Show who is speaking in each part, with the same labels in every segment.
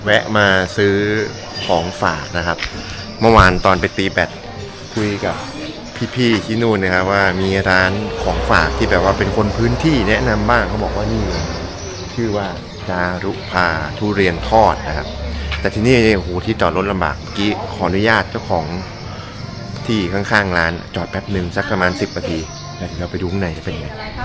Speaker 1: แวะมาซื้อของฝากนะครับเมื่อวานตอนไปตีแบดคุยกับพี่ๆที่นู่นนะครับว่ามีร้านของฝากที่แบบว่าเป็นคนพื้นที่แนะนำบ้างเขาบอกว่านี่ชื่อว่าจารุภาทุเรียนทอดนะครับแต่ที่นี่โอ้โหที่จอดรถลำบากเมื่อกี้ขออนุญาตเจ้าของที่ข้างๆร้านจอดแป๊บหนึ่งสักประมาณ10 นาทีแล้วเราไปดูข้างในจะเป็นยังไง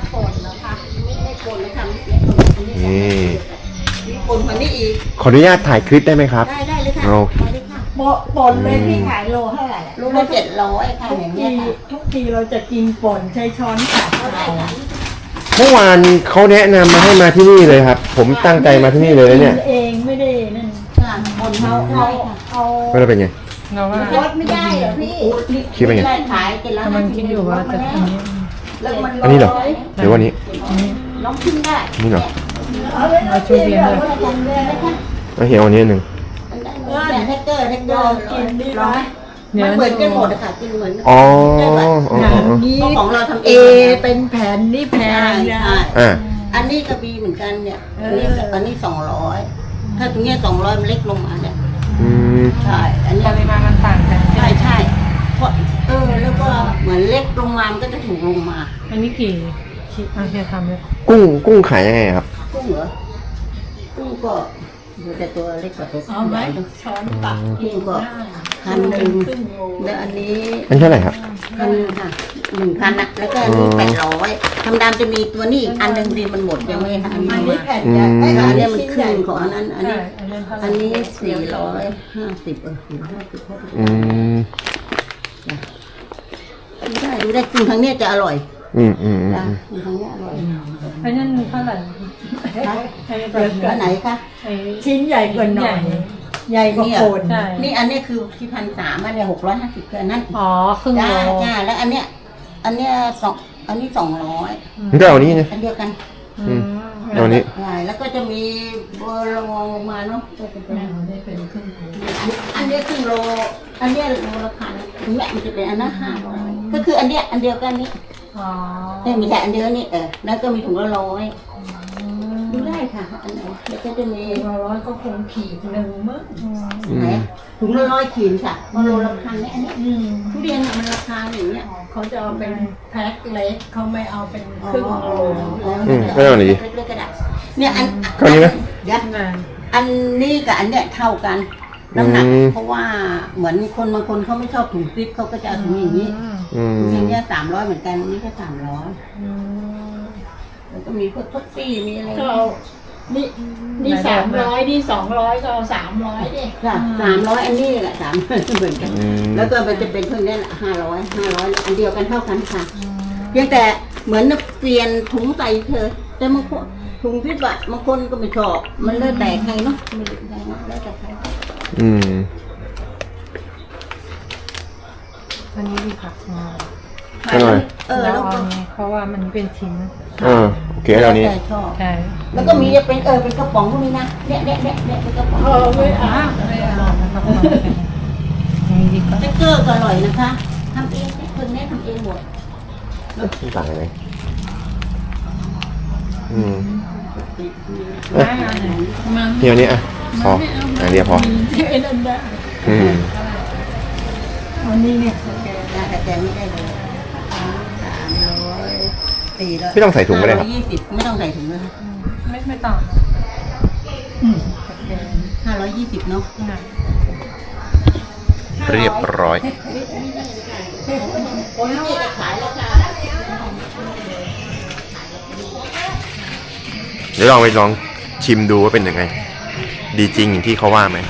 Speaker 1: นี่
Speaker 2: ป่นกว่านี้อีก
Speaker 1: ขออนุญาตถ่ายคลิปได้ไหมครับ
Speaker 2: ได้เลยค่ะ
Speaker 1: โอเค
Speaker 3: ป่นเลยพี่ขายโลเท่าไหร่
Speaker 2: ลูกละ700ค่ะอย่างเงี้ยค่ะ
Speaker 3: ทุกทีเราจะกินป่นใช้ช้อนตักเอา
Speaker 1: เมื่อวานเขาแนะนำมาให้มาที่นี่เลยครับผมตั้งใจมาที่นี่เลยเนี่ย
Speaker 3: กินเองไม่ได้นั่น
Speaker 2: ค่ะป่นเอา
Speaker 1: ไม่ได้เป็นไง
Speaker 4: เราว่า
Speaker 2: ลดไม่ได้เหรอพี่
Speaker 1: คิดว่าไง
Speaker 2: ได้ขายกินแล้ว
Speaker 4: กำลังคิดอยู่ว่าจะทำนี้
Speaker 2: แล้วมัน
Speaker 1: อันนี้เหรอหรือว่านี้
Speaker 2: น้องชิมได้
Speaker 1: นี่เหรอ
Speaker 4: เอาชูเรียนเลย
Speaker 1: เอาเหี่ยวอันนี้อันหนึ่ง
Speaker 2: แต่แท็กเกอร์กินได้ร้อย
Speaker 4: เดี๋ยว
Speaker 2: มันเหมือนกันหมดอะค่ะกินเหมือน
Speaker 1: อ๋อ
Speaker 3: นี้
Speaker 2: ของเราทำ
Speaker 3: เอ
Speaker 2: เอง
Speaker 3: เป็นแผ่นนี่แพ
Speaker 2: ใช่
Speaker 3: งนะ
Speaker 2: ใช่
Speaker 1: อ่า
Speaker 2: อันนี้กระบี่เหมือนกันเนี่ยอันนี้200ถ้าตรงเนี้ย200มันเล็กลงมาเนี่ย
Speaker 1: อืม
Speaker 2: ใช่อันนี้
Speaker 4: ปริมาณมันต่างกัน
Speaker 2: ใช่เพราะแล้วก็เหมือนเล็กลงมามันก็จะถูกลงมา
Speaker 4: อันนี้กี่ชิ้นเฮียทำเลย
Speaker 1: กุ้งขายยังไงครับ
Speaker 2: กุ้งเหรอกุ้งก็อยู่แต่ตัวเล็กกว่าตัว
Speaker 3: เอาไหมช้อนตัก
Speaker 2: กุ้งก็1,000แล้วอันนี้
Speaker 1: อันเท่าไหร่ครับ
Speaker 2: 1,000ค่ะ1,000นะแล้วก็อันนี้800ธรรมดาจะมีตัวนี้อีกอันหนึงดีมันหมดยังไม่ทัน
Speaker 3: อันนี้แผ่น
Speaker 1: อื
Speaker 3: ใหญ่
Speaker 1: ม
Speaker 2: อันนี้มันครึ่งของอันนั้นอัน
Speaker 4: ใช่
Speaker 2: นี้
Speaker 4: อันนั้นเท่าไห
Speaker 2: อั
Speaker 4: ร่
Speaker 2: นนี้450
Speaker 1: อืม
Speaker 2: ดูได้กินครั้งเนี้ยจะอร่อย
Speaker 1: อืม
Speaker 2: จ้ะกินครั้งเนี้ยอร่อย
Speaker 4: อันนั้นเท่าไหร่ไอ้แบบ
Speaker 2: อันไหนคะ
Speaker 4: ไอ้
Speaker 3: ชิ้นใหญ่กว่าหน่อยใหญ่กว่าโคน
Speaker 4: ใช่
Speaker 2: นี่อันนี้คือที่1,300อันเนี้ย650คืออันนั้น
Speaker 4: อ๋อครึ่ง
Speaker 2: จ้า
Speaker 4: โล
Speaker 2: จ้าแล้วอันเนี้ยอันนี้200
Speaker 1: นี่ก็เอานี้นะ
Speaker 2: อันเดียวกัน
Speaker 4: อืม
Speaker 1: เอานี้
Speaker 2: ใช่แล้วก็จะมีเบอร์ลงมาเนาะก็จะเป็น
Speaker 3: ได้เป็นครึ่งโล
Speaker 2: อันเนี้ยครึ่งโลอันเนี้ยโลละพันถึงแม้มันจะเป็นอันนั้น500ก็คืออันเนี้ยอันเดียวกันนี้
Speaker 4: อ๋อ
Speaker 2: เนี่ยมีแต่อันเดียวนี่แล้วก็มีถุงละ100ดูได้ค่ะอันไหนแล้วก็จะมี
Speaker 3: 100ก็คงขีดหนึ่งมั้ง
Speaker 2: ไหนถุงละ100ขีดค่ะเพราะโลละพันเนี่ยอันเนี้ยทุเรียนอะมันราคาอย่างเงี้ย
Speaker 3: เขาจะเอาเป็นแพ็คเล็กเขาไม่เอาเป็นครึ่งโล
Speaker 1: ไม่เอาหนี
Speaker 2: เล็กๆก็ได้เนี่ยอัน
Speaker 1: เท่านี้ไหม
Speaker 2: เดี๋ยว
Speaker 4: นาน
Speaker 2: อันนี้กับอันเนี้ยเท่ากันน้ำหนัก
Speaker 1: อืม
Speaker 2: เพราะว่าเหมือนคนบางคนเขาไม่ชอบถุงฟิตเขาก็จะเอาถุงอย่างนี้
Speaker 1: อืม
Speaker 2: ถุงอย่างเงี้ย300เหมือนกันอันนี้ก็300
Speaker 4: อืม
Speaker 2: แล้วก็มีพวกท็อฟฟี่มีอะไร
Speaker 3: ก็เอานี่300นี่200ก็เอา300ดิ
Speaker 2: ค่ะ300อันนี้แหละ300เหมือนกัน แล้วก็มันจะเป็นเท่านี้แหละ500อันเดียวกันเท่ากันค่ะเพียงแต่เหมือนเปลี่ยนถุงใส่เธอแต่บางคนถุงฟิตบางคนก็ไม่ชอบมันแล้วแต่ใครเนาะไม่รู้ได้เนาะแล้วแต่ใคร
Speaker 1: อืม
Speaker 4: อันนี้ดีค่ะ
Speaker 1: อร่อย
Speaker 4: แล้
Speaker 2: แล้ว ว
Speaker 4: เอา
Speaker 2: ก็
Speaker 4: อันนี้เพราะว่ามันเป็นชิ้น
Speaker 1: โอเคเอานี้
Speaker 2: แต่ชอบ
Speaker 4: ใช่
Speaker 2: แล้วก็มีเป็นเป็นกระป๋องพวกนี้นะเนี่ยเป็นกระป๋อง
Speaker 3: ไม่เอา
Speaker 4: ไม่เอานะครับอันนี้ดีกว่า
Speaker 2: สติ๊กเกอร์ก็อร่อยนะคะทำเองเนี่ยคนเนี้ยทำเองหมด
Speaker 1: ต่างยังไงเดี๋ยวนี้อ่ะพออันเดียวพอ
Speaker 3: ไอ้นั่นได้
Speaker 2: วันนี้เนี่ยแต่แกไม่ได้เลย300 400
Speaker 1: ไม่ต้องใส่ถุงก็ได้ครับ
Speaker 2: 520ไม่ต้องใส่ถุงเลยค่ะ
Speaker 4: ไม่ต่าง
Speaker 2: 520เนาะ
Speaker 4: นะ
Speaker 1: เรียบร้อย
Speaker 2: โอ้ยนี่จะขายแล้วค่ะ
Speaker 1: เดี๋ยวลองไปลองชิมดูว่าเป็นยังไง ดีจริงอย่างที่เขาว่าไหม